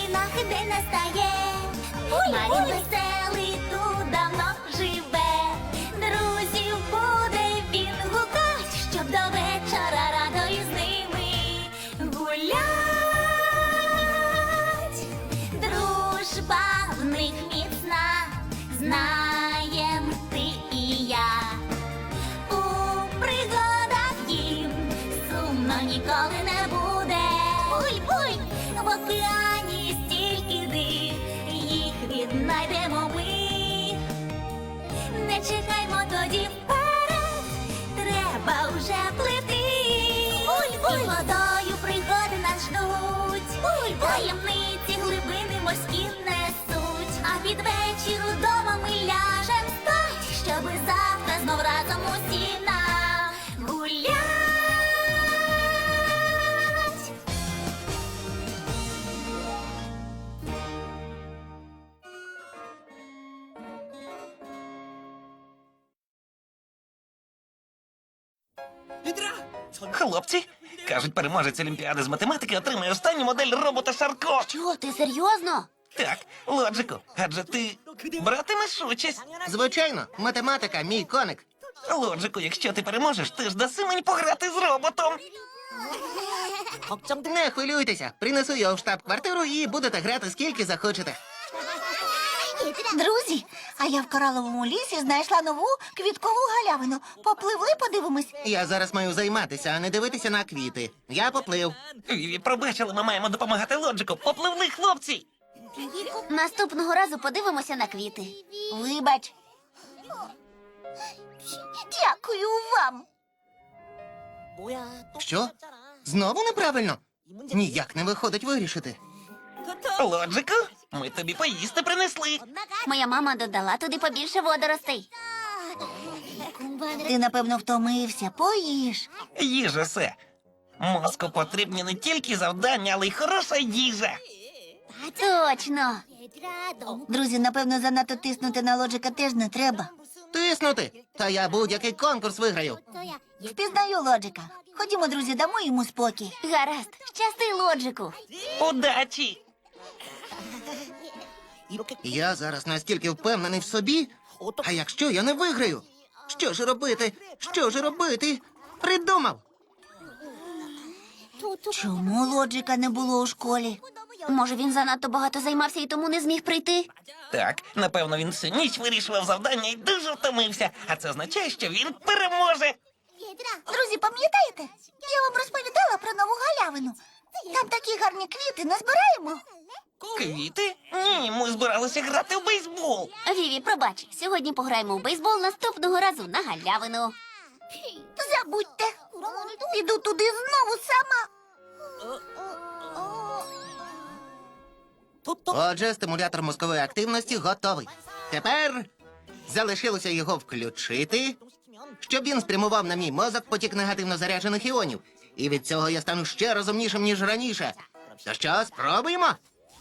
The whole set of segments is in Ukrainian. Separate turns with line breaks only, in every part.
новинах день настає. Марін веселий тут давно живе. Друзів буде він гукать, щоб до вечора радо із ними гулять. Дружба в них міцна, знаєм ти і я. У пригадах їм сумно ніколи не буде. Буй-буй! В океані стільки див, їх віднайдемо ми. Не чекаймо тоді вперед, треба вже плити. Буй-буй! І водою пригоди нас ждуть. Буй-буй! Таємниці глибини морські несуть. А під вечір удома ми ляжем спать, щоби завтра знов разом усі нагулять.
Хлопці, кажуть, переможець Олімпіади з математики отримає останню модель робота Шарко.
Чого, ти серйозно?
Так, Лоджику, адже ти братимеш участь.
Звичайно, математика мій коник.
Лоджику, якщо ти переможеш, ти ж даси мені пограти з роботом.
Не хвилюйтеся, принесу його в штаб-квартиру і будете грати скільки захочете.
Друзі, а я в кораловому лісі знайшла нову квіткову галявину. Попливли, подивимось.
Я зараз маю займатися, а не дивитися на квіти. Я поплив.
Віві, пробачили, ми маємо допомагати Лоджику. Попливли, хлопці!
Наступного разу подивимося на квіти.
Вибач. Дякую вам.
Що? Знову неправильно? Ніяк не виходить вирішити.
Лоджику, ми тобі поїсти принесли.
Моя мама додала туди побільше водоростей.
Ти, напевно, втомився. Поїж.
Їжа все. Мозку потрібні не тільки завдання, але й хороша їжа.
Точно.
Друзі, напевно, занадто тиснути на Лоджика теж не треба.
Тиснути? Та я будь-який конкурс виграю.
Впізнаю Лоджика. Ходімо, друзі, дамо йому спокій.
Гаразд. Щасти, Лоджику.
Удачі!
Я зараз настільки впевнений в собі. А якщо я не виграю? Що ж робити? Що ж робити? Придумав.
Чому Лоджика не було у школі?
Може, він занадто багато займався і тому не зміг прийти?
Так, напевно, він всю ніч вирішував завдання і дуже втомився. А це означає, що він переможе.
Друзі, пам'ятаєте? Я вам розповідала про нову галявину. Там такі гарні квіти, назбираємо.
Квіти? Ні, ми збиралися грати в бейсбол.
Віві, пробач, сьогодні пограємо в бейсбол наступного разу на галявину.
Забудьте. Піду туди знову сама.
Отже, стимулятор мозкової активності готовий. Тепер залишилося його включити, щоб він спрямував на мій мозок потік негативно заряджених іонів. І від цього я стану ще розумнішим, ніж раніше. То що, спробуємо?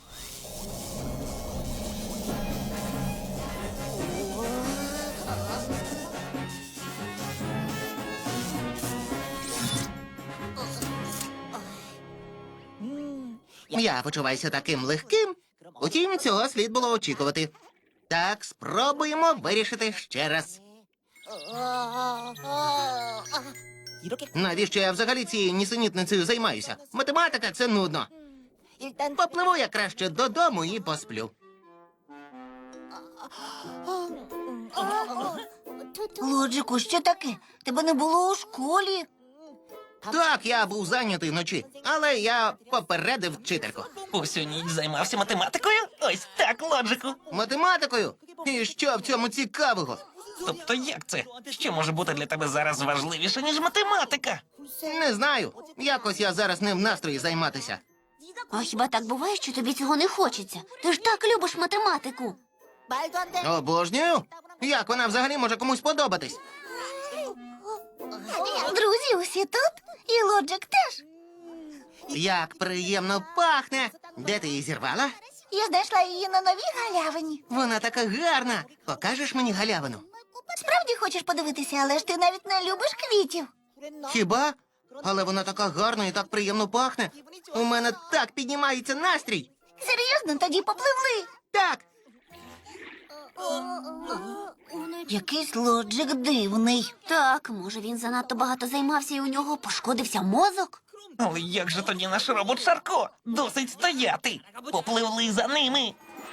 Я почуваюся таким легким. Утім, цього слід було очікувати. Так, спробуємо вирішити ще раз. Навіщо я взагалі цією нісенітницею займаюся? Математика — це нудно. Попливу я краще додому і посплю.
Лоджику, що таке? Тебе не було у школі.
Так, я був зайнятий вночі, але я попередив вчительку.
Усю ніч займався математикою? Ось так, Лоджику.
Математикою? І що в цьому цікавого?
Тобто як це? Що може бути для тебе зараз важливіше, ніж математика?
Не знаю. Якось я зараз не в настрої займатися.
А хіба так буває, що тобі цього не хочеться? Ти ж так любиш математику.
Обожнюю. Як вона взагалі може комусь подобатись?
Друзі, усі тут? І Лоджик теж.
Як приємно пахне. Де ти її зірвала?
Я знайшла її на новій галявині.
Вона така гарна. Покажеш мені галявину?
Справді хочеш подивитися, але ж ти навіть не любиш квітів.
Хіба? Але вона така гарна і так приємно пахне. У мене так піднімається настрій.
Серйозно, тоді попливли.
Так,
Якийсь Лоджик дивний.
Так, може він занадто багато займався і у нього пошкодився мозок?
Але як же тоді наш робот Шарко? Досить стояти. Попливли за ними.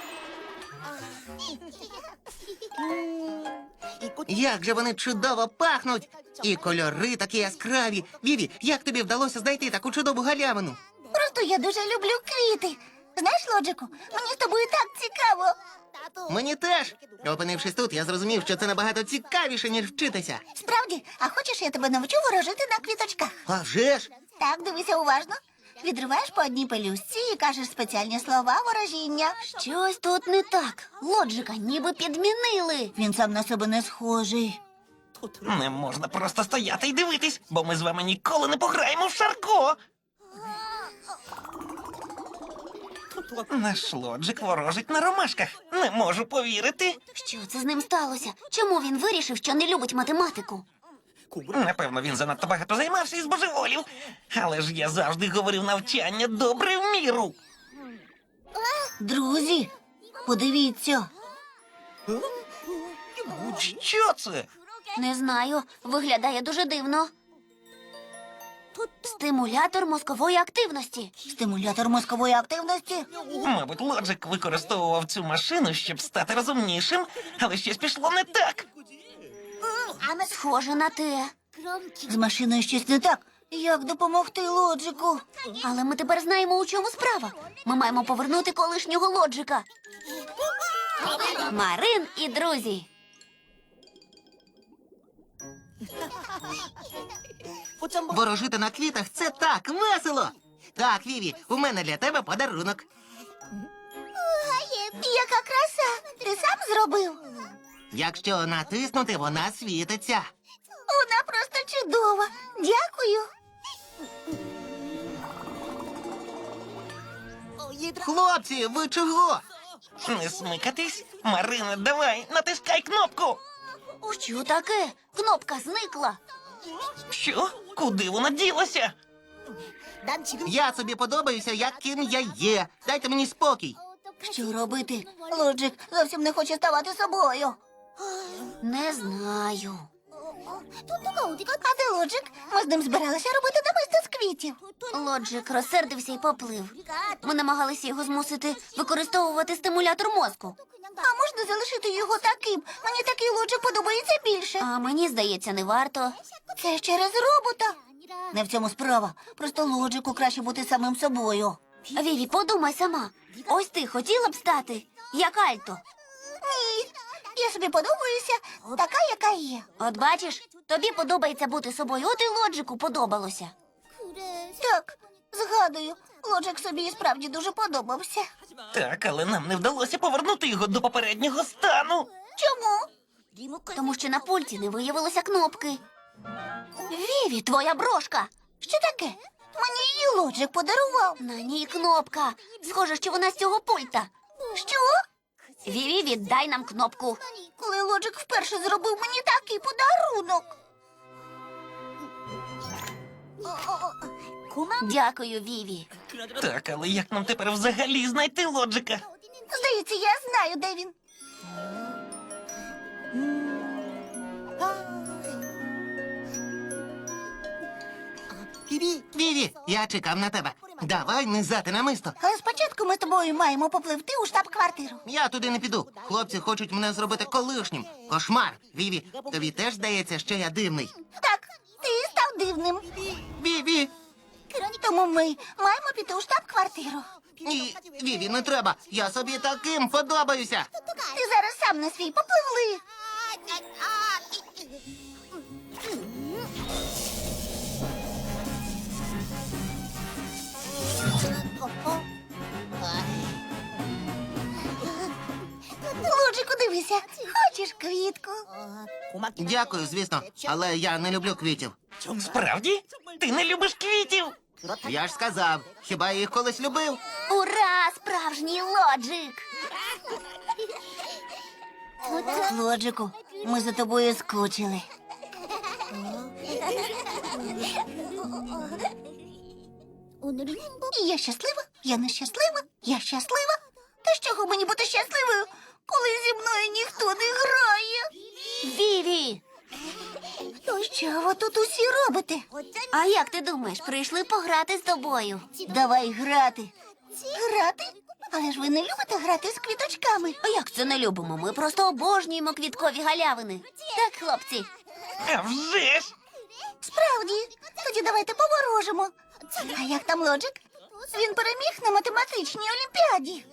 як же вони чудово пахнуть! І кольори такі яскраві. Віві, як тобі вдалося знайти таку чудову галявину?
Просто я дуже люблю квіти. Знаєш, Лоджику, мені з тобою так цікаво.
Мені теж. Опинившись тут, я зрозумів, що це набагато цікавіше, ніж вчитися.
Справді, а хочеш, я тебе навчу ворожити на квіточках?
А вже ж!
Так, дивися уважно. Відриваєш по одній пелюстці і кажеш спеціальні слова ворожіння.
Щось тут не так. Лоджика ніби підмінили.
Він сам на себе не схожий.
Не можна просто стояти і дивитись, бо ми з вами ніколи не пограємо в Шарко. Наш лоджик ворожить на ромашках. Не можу повірити.
Що це з ним сталося? Чому він вирішив, що не любить математику?
Напевно, він занадто багато займався і збожеволів. Але ж я завжди говорив навчання добре в міру.
Друзі, подивіться.
Що це?
Не знаю, виглядає дуже дивно. Стимулятор мозкової активності.
Стимулятор мозкової активності.
Мабуть, лоджик використовував цю машину, щоб стати розумнішим, але щось пішло не так.
Схоже на те.
З машиною щось не так. Як допомогти Лоджику?
Але ми тепер знаємо, у чому справа. Ми маємо повернути колишнього лоджика. Марин і друзі.
Ворожити на квітах це так весело. Так, Віві, у мене для тебе подарунок.
Яка краса! Ти сам зробив?
Якщо натиснути, вона світиться.
Вона просто чудова. Дякую.
Хлопці, ви чого?
Не смикатись. Марина, давай, натискай кнопку.
Що таке? Кнопка зникла.
Що? Куди вона ділася?
Я собі подобаюся, як ким я є. Дайте мені спокій.
Що робити? Лоджик зовсім не хоче ставати собою.
Не знаю.
А де Лоджик? Ми з ним збиралися робити намисто з квітів.
Лоджик розсердився і поплив. Ми намагалися його змусити використовувати стимулятор мозку.
А можна залишити його таким? Мені такий Лоджик подобається більше.
А мені здається, не варто.
Це ж через робота. Не в цьому справа. Просто Лоджику краще бути самим собою.
Віві, подумай сама. Ось ти хотіла б стати, як Альто.
Ні, я собі подобаюся така, яка є.
От бачиш, тобі подобається бути собою, от і Лоджику подобалося.
Так, згадую, Лоджик собі і справді дуже подобався.
Так, але нам не вдалося повернути його до попереднього стану.
Чому?
Тому що на пульті не виявилося кнопки. Віві, твоя брошка.
Що таке? Мені її Лоджик подарував.
На ній кнопка. Схоже, що вона з цього пульта.
Що?
Віві, віддай нам кнопку.
Коли Лоджик вперше зробив мені такий подарунок.
Дякую, Віві.
Так, але як нам тепер взагалі знайти лоджика?
Здається, я знаю, де він.
Віві, я чекав на тебе. Давай низати намисто.
Але спочатку ми з тобою маємо попливти у штаб-квартиру.
Я туди не піду. Хлопці хочуть мене зробити колишнім. Кошмар. Віві, тобі теж здається, що я дивний.
Так, ти став дивним.
Віві!
Тому ми маємо піти у штаб-квартиру.
Ні, Віві, не треба. Я собі таким подобаюся.
Ти зараз сам на свій попливли. Лоджику, дивися, хочеш квітку?
Дякую, звісно, але я не люблю квітів.
Справді? Ти не любиш квітів?
Я ж сказав, хіба я їх колись любив?
Ура! Справжній Лоджик!
Лоджику, ми за тобою скучили. І я щаслива, Я нещаслива, я щаслива. Та з чого мені бути щасливою, коли зі мною ніхто не грає?
Віві!
Що ви тут усі робите?
А як ти думаєш, прийшли пограти з тобою?
Давай грати. Грати? Але ж ви не любите грати з квіточками.
А як це не любимо? Ми просто обожнюємо квіткові галявини. Так, хлопці?
А вже ж!
Справді, тоді давайте поворожимо. А як там Лоджик? Він переміг на математичній олімпіаді.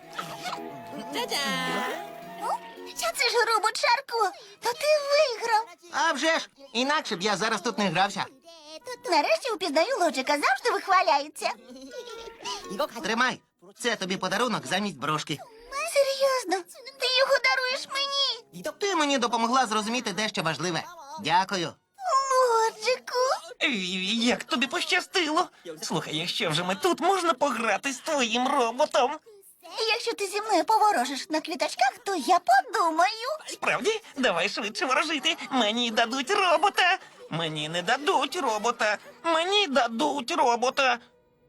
Це ж робот Шарко. То ти виграв.
А вже ж! Інакше б я зараз тут не грався.
Нарешті упізнаю Лоджика, завжди вихваляється.
Тримай. Це тобі подарунок замість брошки.
Серйозно, ти його даруєш мені?
Ти мені допомогла зрозуміти дещо важливе. Дякую.
Лоджику.
Віві, як тобі пощастило. Слухай, якщо вже ми тут, можна пограти з твоїм роботом.
Якщо ти зі мною поворожиш на квіточках, то я подумаю.
Справді? Давай швидше ворожити. Мені дадуть робота. Мені не дадуть робота. Мені дадуть робота.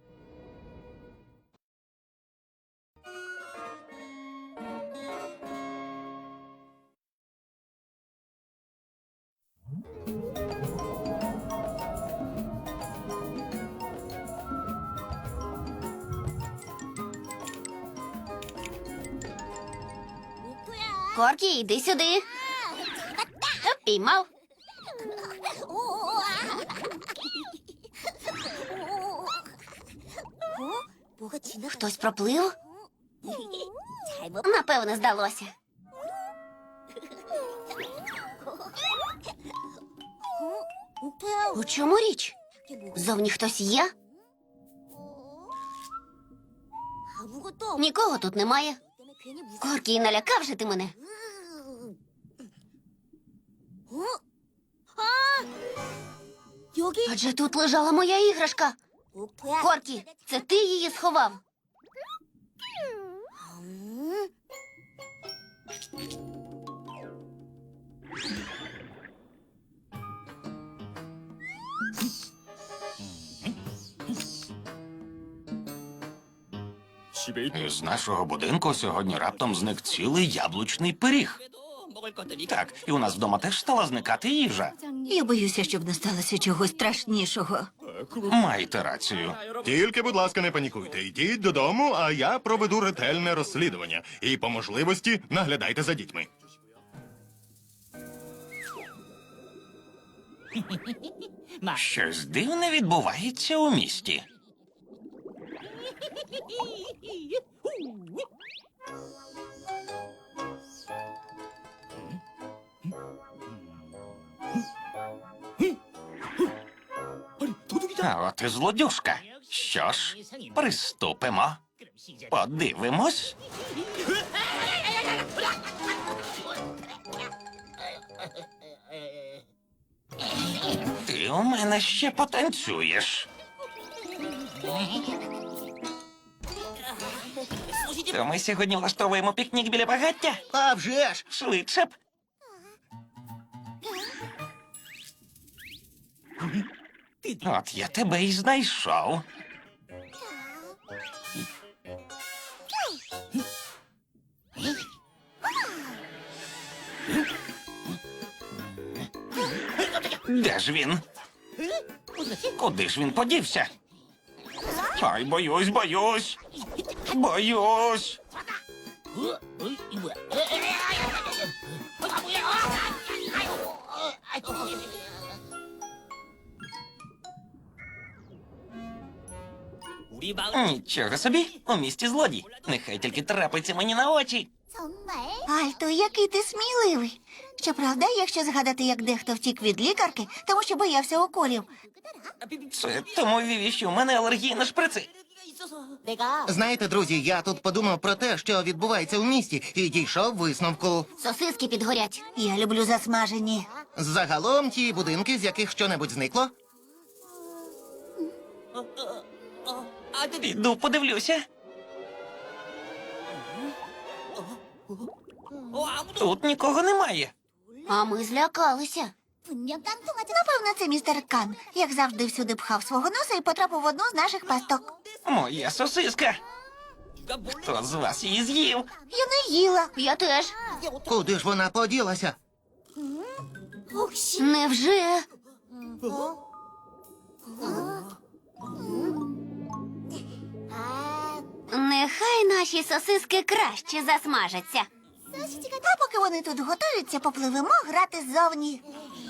Коркі, йди сюди. Піймав. Хтось проплив? Напевно, здалося. У чому річ? Зовні хтось є? Нікого тут немає. Коркі, налякав же ти мене. Адже тут лежала моя іграшка. Коркі, це ти її сховав?
З нашого будинку сьогодні раптом зник цілий яблучний пиріг. Так, і у нас вдома теж стала зникати їжа.
Я боюся, щоб не сталося чогось страшнішого.
Маєте рацію.
Тільки, будь ласка, не панікуйте. Йдіть додому, а я проведу ретельне розслідування. І по можливості наглядайте за дітьми.
Щось дивне відбувається у місті. А от і злодюжка. Що ж, приступимо. Подивимось. Ти у мене ще потанцюєш. То ми сьогодні влаштовуємо пікнік біля багаття?
А вже ж!
Швидше б. От я тебе і знайшов. Де ж він? Куди ж він подівся? Ай, боюсь, боюсь. Боюсь. Нічого собі, у місті злодій. Нехай тільки трапиться мені на очі.
Альто, який ти сміливий. Щоправда, якщо згадати, як дехто втік від лікарки, тому що боявся уколів.
Це тому, Віві, що в мене алергія на шприци.
Знаєте, друзі, я тут подумав про те, що відбувається у місті, і дійшов висновку.
Сосиски підгорять.
Я люблю засмажені.
Загалом ті будинки, з яких щонебудь зникло.
Піду подивлюся. Тут нікого немає.
А ми злякалися.
Напевно, це містер Кан, як завжди всюди пхав свого носа і потрапив в одну з наших пасток.
Моя сосиска. Хто з вас її з'їв?
Я не їла.
Я теж.
Куди ж вона поділася?
Невже? Нехай наші сосиски краще засмажаться.
А поки вони тут готуються, попливемо грати ззовні.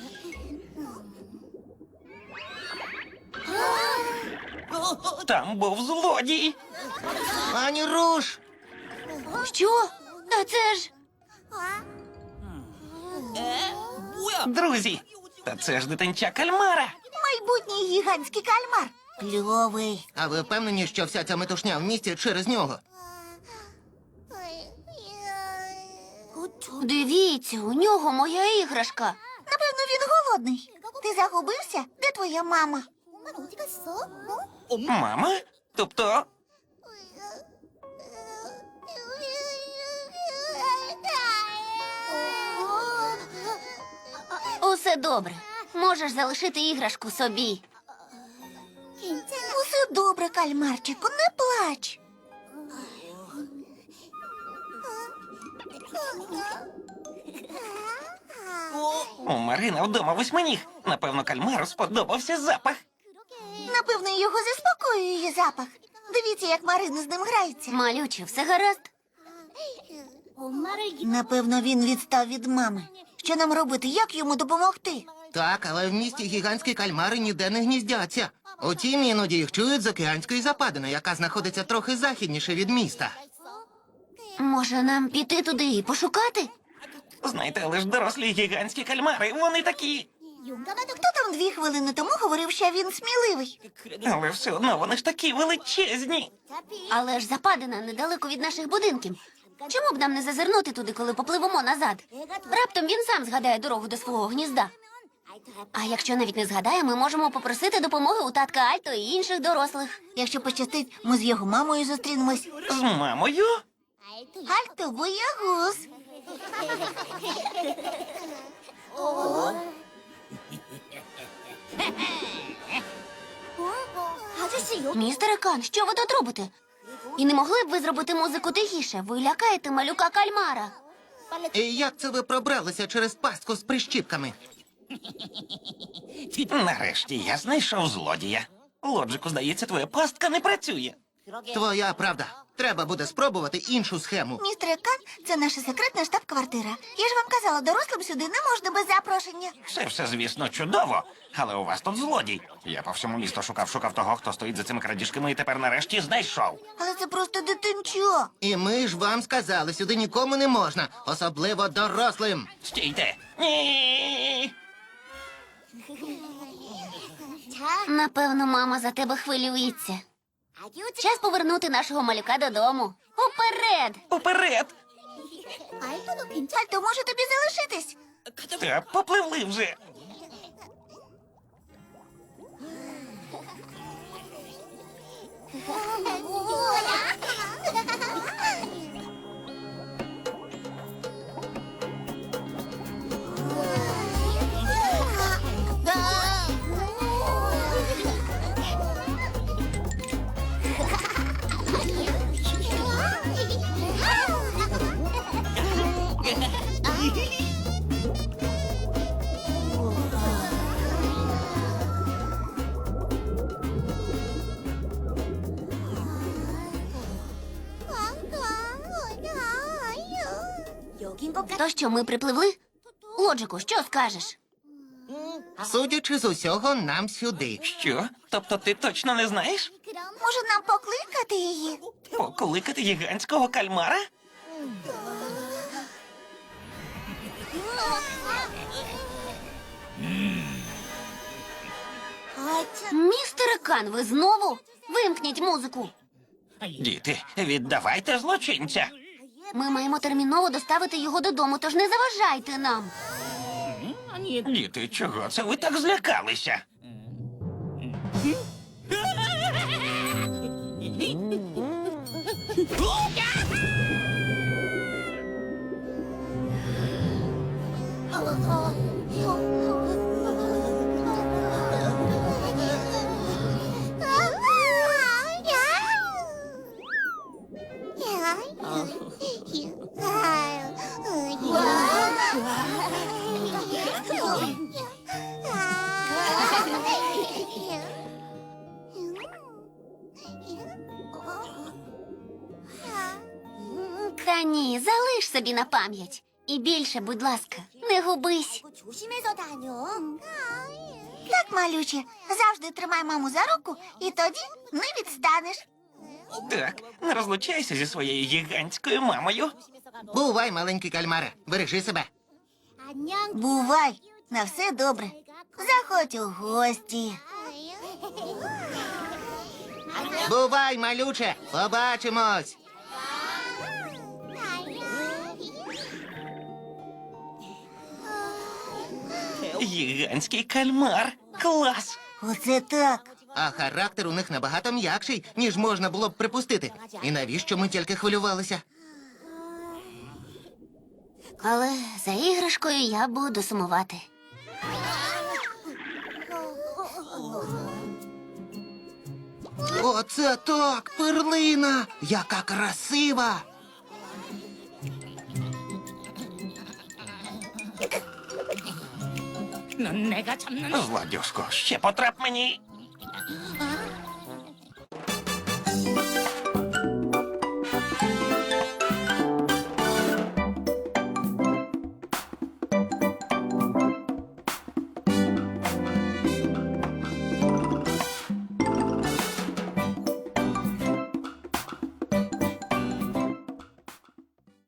Там був злодій.
Пані Руш!
Що? А це ж...
Друзі, та це ж дитинча кальмара.
Майбутній гігантський кальмар. Кльовий.
А ви впевнені, що вся ця метушня в місті через нього?
Дивіться, у нього моя іграшка.
Напевно, він голодний. Ти загубився? Де твоя мама?
Мама? Тобто,
Усе добре. Можеш залишити іграшку собі.
Усе добре, кальмарчику, не плач.
у Марина вдома восьминіг. Напевно, кальмару сподобався запах.
Напевно, його заспокоює її запах. Дивіться, як Марина з ним грається.
Малюче, все гаразд?
Напевно, він відстав від мами. Що нам робити? Як йому допомогти?
Так, але в місті гігантські кальмари ніде не гніздяться. Утім, іноді їх чують з океанської западини, яка знаходиться трохи західніше від міста.
Може, нам піти туди і пошукати?
Знаєте, але ж дорослі гігантські кальмари, вони такі.
Хто там 2 хвилини тому говорив, що він сміливий?
Але все одно вони ж такі величезні.
Але ж западина недалеко від наших будинків. Чому б нам не зазирнути туди, коли попливемо назад? Раптом він сам згадає дорогу до свого гнізда. А якщо навіть не згадає, ми можемо попросити допомоги у татка Альто і інших дорослих.
Якщо пощастить, ми з його мамою зустрінемось.
З мамою?
Альто боягуз.
Містере Кан, що ви тут робите? І не могли б ви зробити музику тихіше? Ви лякаєте малюка кальмара.
І як це ви пробралися через пастку з прищіпками?
Нарешті я знайшов злодія. Лоджику, здається, твоя пастка не працює.
Твоя правда. Треба буде спробувати іншу схему.
Містер Кан, це наша секретна штаб-квартира. Я ж вам казала, дорослим сюди не можна без запрошення.
Все, звісно, чудово. Але у вас тут злодій. Я по всьому місту шукав того, хто стоїть за цими крадіжками, і тепер нарешті знайшов.
Але це просто дитинчо.
І ми ж вам сказали, сюди нікому не можна, особливо дорослим.
Стійте! Ні!
Напевно, мама за тебе хвилюється. Час повернути нашого малюка додому. Уперед!
Уперед!
Альто, може тобі залишитись?
Та попливли вже.
То що, ми припливли? Лоджику, що скажеш?
Судячи з усього, нам сюди.
Що? Тобто ти точно не знаєш?
Може нам покликати її?
Покликати гігантського кальмара?
Містере Кан, ви знову? Вимкніть музику.
Діти, віддавайте злочинця.
Ми маємо терміново доставити його додому, тож не заважайте нам.
Діти, чого це ви так злякалися?
собі на пам'ять. І більше, будь ласка, не губись.
Так, малюче, завжди тримай маму за руку, і тоді не відстанеш.
Так, не розлучайся зі своєю гігантською мамою.
Бувай, маленький кальмаре, бережи себе.
Бувай, на все добре. Заходь у гості.
Бувай, малюче, побачимось.
Гігантський кальмар. Клас!
Оце так.
А характер у них набагато м'якший, ніж можна було б припустити. І навіщо ми тільки хвилювалися?
Але за іграшкою я буду сумувати.
Оце так, перлина! Яка красива!
Злодюжко, ще потрап мені.